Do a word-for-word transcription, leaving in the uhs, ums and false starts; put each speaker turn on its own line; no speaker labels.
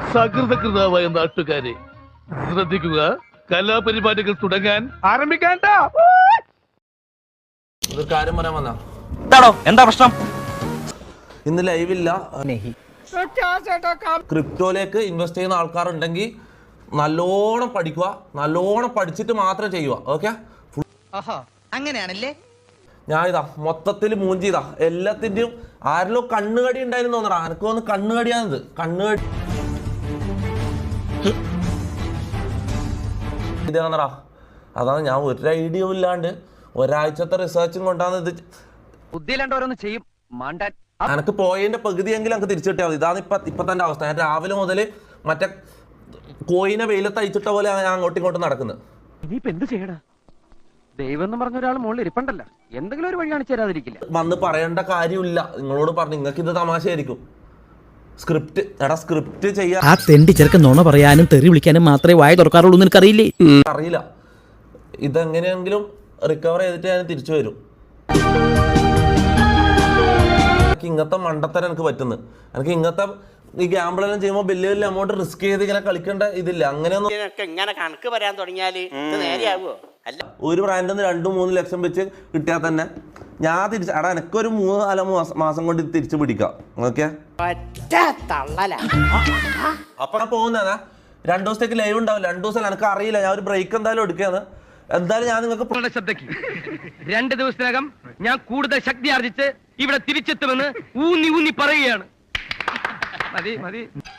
സകൃതകൃതാവായ നാട്ടുകാരെ ശ്രദ്ധിക്കുക, കലാപരിപാടികൾ തുടങ്ങാൻ ആരംഭിക്കാൻ.
കാര്യം പറയാൻ വന്നാ
എന്താ പ്രശ്നം?
ഇന്ന് ലൈവില്ല. ക്രിപ്റ്റോയിലേക്ക് ഇൻവെസ്റ്റ് ചെയ്യുന്ന ആൾക്കാരുണ്ടെങ്കിൽ നല്ലോണം പഠിക്കുക, നല്ലോണം പഠിച്ചിട്ട് മാത്രം ചെയ്യുക. ഓക്കെ,
അങ്ങനെയാണല്ലേ?
ഞാൻ ഇതാ മൊത്തത്തിൽ മൂഞ്ചി ഇതാ എല്ലാത്തിന്റെയും ആരിലോ കണ്ണുകടി ഉണ്ടായിരുന്നു തോന്നടാ. എനിക്ക് തോന്നുന്നു കണ്ണുകടിയാണിത്. കണ്ണുകടി ഇതാണടാ. അതാണ് ഞാൻ ഒരു ഐഡിയ ഇല്ലാണ്ട് ഒരാഴ്ചത്തെ റിസർച്ചും കൊണ്ടാണ് ഇത്.
ചെയ്യും.
എനിക്ക് പോയതിന്റെ പകുതിയെങ്കിലും എനിക്ക് തിരിച്ചു കിട്ടിയാൽ മതി. ഇതാണ് ഇപ്പൊ ഇപ്പൊ തന്റെ അവസ്ഥ. ഞാൻ രാവിലെ മുതൽ മറ്റേ കോയിനെ വെയിലത്ത് അയച്ചിട്ട പോലെ ഞാൻ അങ്ങോട്ടും ഇങ്ങോട്ടും നടക്കുന്നത്.
ഇനിയിപ്പോ എന്ത് ചെയ്യടാ? ദൈവം എന്ന് പറഞ്ഞ ഒരാൾ മുകളിൽ ഇരിപ്പണ്ടല്ല, എന്തെങ്കിലും ഒരു വഴി കാണിച്ചു തരാതിരിക്കില്ല.
വന്ന് പറയേണ്ട കാര്യമില്ല. നിങ്ങളോട് പറഞ്ഞു, നിങ്ങൾക്ക് ഇത് തമാശയായിരിക്കും. സ്ക്രിപ്റ്റ് എടാ സ്ക്രിപ്റ്റ് ചെയ്യാൻ
ആ തെണ്ടി ചെറുക്കൻ നുണ പറയാനും തെറി വിളിക്കാനും മാത്രമേ വായ തുറക്കാറുള്ളൂ. നിനക്കറിയില്ലേ?
അറിയില്ല. ഇതെങ്ങനെയെങ്കിലും റിക്കവർ ചെയ്തിട്ട് ഞാൻ തിരിച്ചു വരും. എനിക്ക് ഇങ്ങനത്തെ മണ്ടത്തരം എനിക്ക് പറ്റുന്നത്. എനിക്ക് ഇങ്ങനത്തെ ഈ ഗ്യാമ്പിളെല്ലാം ചെയ്യുമ്പോൾ വലിയ വലിയ എമൗണ്ട് റിസ്ക് ചെയ്ത് ഇങ്ങനെ കളിക്കേണ്ട ഇതില്ല. അങ്ങനെയൊന്നും
ഇങ്ങനെ കണക്ക് പറയാൻ തുടങ്ങിയാല് നേരെയാവോ? അല്ല,
ഒരു ബ്രാൻഡിൽ നിന്ന് രണ്ടും മൂന്ന് ലക്ഷം വെച്ച് കിട്ടിയാൽ തന്നെ ഞാൻ തിരിച്ച് എടാ എനിക്കൊരു മൂന്ന് നാല് മാസം കൊണ്ട് ഇത് തിരിച്ചു പിടിക്കാം. ഓക്കെ, അപ്പൊ ഞാൻ പോകുന്നതാ. രണ്ടു ദിവസത്തേക്ക് ലൈവ് ഉണ്ടാവില്ല. രണ്ടു ദിവസം എനിക്ക് അറിയില്ല. ഞാൻ ഒരു ബ്രേക്ക് എന്തായാലും എടുക്കുകയാണ്. എന്തായാലും ഞാൻ നിങ്ങൾക്ക്
ശ്രദ്ധയ്ക്ക് രണ്ട് ദിവസത്തിനകം ഞാൻ കൂടുതൽ ശക്തി ആർജിച്ച് ഇവിടെ തിരിച്ചെത്തുമെന്ന് ഊന്നി ഊന്നി പറയുകയാണ്. മതി മതി.